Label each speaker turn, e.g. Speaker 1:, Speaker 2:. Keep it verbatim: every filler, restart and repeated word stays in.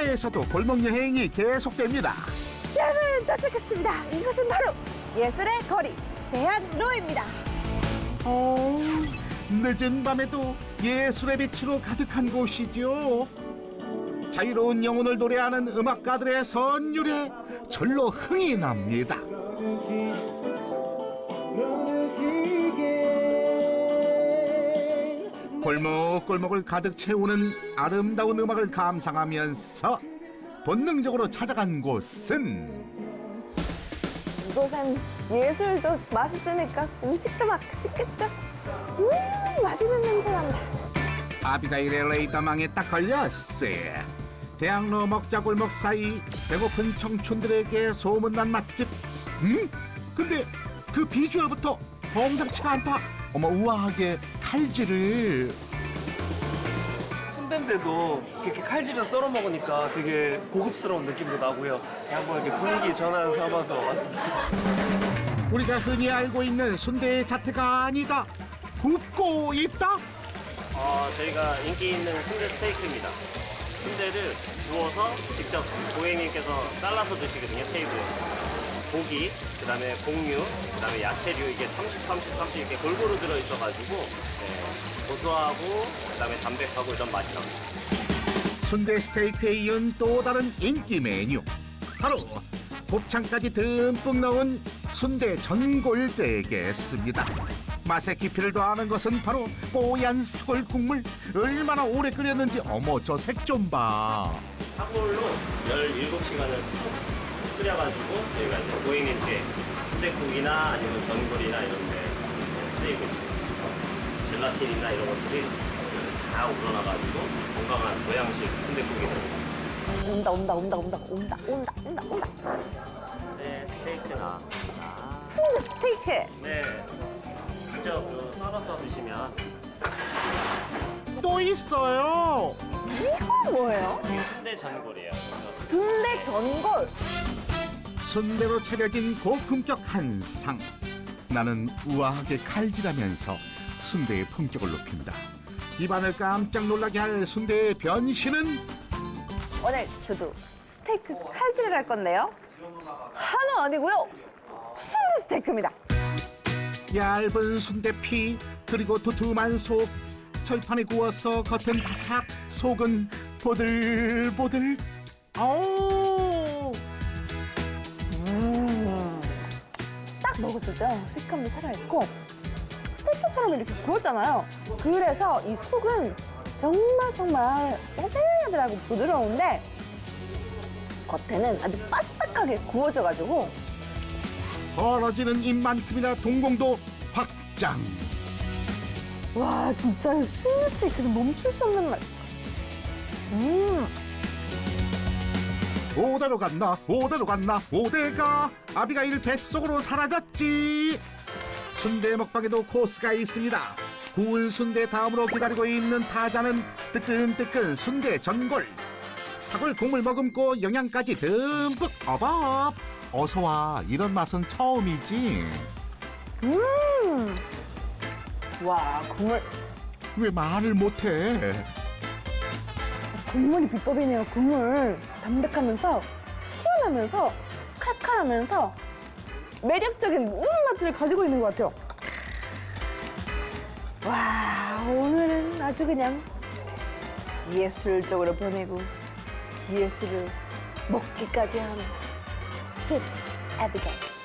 Speaker 1: 국내에서도 골목 여행이 계속됩니다.
Speaker 2: 여러분 도착했습니다. 이곳은 바로 예술의 거리 대학로입니다.
Speaker 1: 어, 늦은 밤에도 예술의 빛으로 가득한 곳이죠. 자유로운 영혼을 노래하는 음악가들의 선율에 절로 흥이 납니다. 골목골목을 가득 채우는 아름다운 음악을 감상하면서 본능적으로 찾아간 곳은
Speaker 2: 이곳은 예술도 맛있으니까 음식도 맛있겠죠? 음 맛있는 냄새 난다.
Speaker 1: 아비가일의 레이더망에 딱 걸렸어요. 대학로 먹자골목 사이 배고픈 청춘들에게 소문난 맛집. 음? 근데 그 비주얼부터 범상치가 않다. 어머, 우아하게 칼질을.
Speaker 3: 순대인데도 이렇게 칼질을 썰어 먹으니까 되게 고급스러운 느낌도 나고요. 한번 이렇게 분위기 전환 삼아서 왔습니다.
Speaker 1: 우리가 흔히 알고 있는 순대의 자태가 아니다. 굽고 있다?
Speaker 4: 어, 저희가 인기 있는 순대 스테이크입니다. 순대를 구워서 직접 고객님께서 잘라서 드시거든요, 테이블에서. 고기, 그 다음에 곡류, 그 다음에 야채류 이게 삼십, 삼십, 삼십 이렇게 골고루 들어있어가지고 네, 고소하고 그 다음에 담백하고 이런 맛이 납니다.
Speaker 1: 순대 스테이크에 이은 또 다른 인기 메뉴. 바로 곱창까지 듬뿍 넣은 순대 전골 되겠습니다. 맛의 깊이를 더하는 것은 바로 뽀얀 사골 국물. 얼마나 오래 끓였는지 어머 저 색 좀 봐.
Speaker 4: 사골로 열일곱 시간을 푹 끓여가지고 저희가 이제 고객님께 순댓국이나 아니면 전골이나 이런 데 쓰이고 있습니다. 젤라틴이나 이런 것들이 다 우러나가지고 건강한 보양식 순댓국이 됩니다.
Speaker 2: 온다 온다 온다 온다 온다 온다 온다 온다.
Speaker 4: 네, 스테이크 나왔습니다.
Speaker 2: 순대 스테이크.
Speaker 4: 네, 직접 그 썰어서 드시면
Speaker 1: 또 있어요.
Speaker 2: 이건 뭐예요?
Speaker 4: 순대 전골이에요.
Speaker 2: 순대 전골.
Speaker 1: 순대로 차려진 고품격 한상. 나는 우아하게 칼질하면서 순대의 품격을 높인다. 입안을 깜짝 놀라게 할 순대의 변신은
Speaker 2: 오늘 저도 스테이크 칼질을 할 건데요. 한우 아니고요. 순대 스테이크입니다.
Speaker 1: 얇은 순대피 그리고 두툼한 속. 철판에 구워서 겉은 바삭 속은 보들보들. 아우.
Speaker 2: 음, 딱 먹었을 때 식감도 살아있고 스테이크처럼 이렇게 구웠잖아요. 그래서 이 속은 정말 정말 야들야들하고 부드러운데 겉에는 아주 바삭하게 구워져가지고
Speaker 1: 벌어지는 입만큼이나 동공도 확장.
Speaker 2: 와 진짜 순대 스테이크는 멈출 수 없는 맛. 음.
Speaker 1: 오대로 갔나 오대로 갔나 오대가 아비가일 뱃속으로 사라졌지. 순대 먹방에도 코스가 있습니다. 구운 순대 다음으로 기다리고 있는 타자는 뜨끈뜨끈 순대 전골. 사골 국물 머금고 영양까지 듬뿍 어밥. 어서와. 이런 맛은 처음이지.
Speaker 2: 음. 와 국물
Speaker 1: 왜 말을 못해.
Speaker 2: 국물이 비법이네요. 국물 담백하면서 시원하면서 칼칼하면서 매력적인 모든 맛들을 가지고 있는 것 같아요. 와 오늘은 아주 그냥 예술적으로 보내고 예술을 먹기까지 하는 피트 아비게일.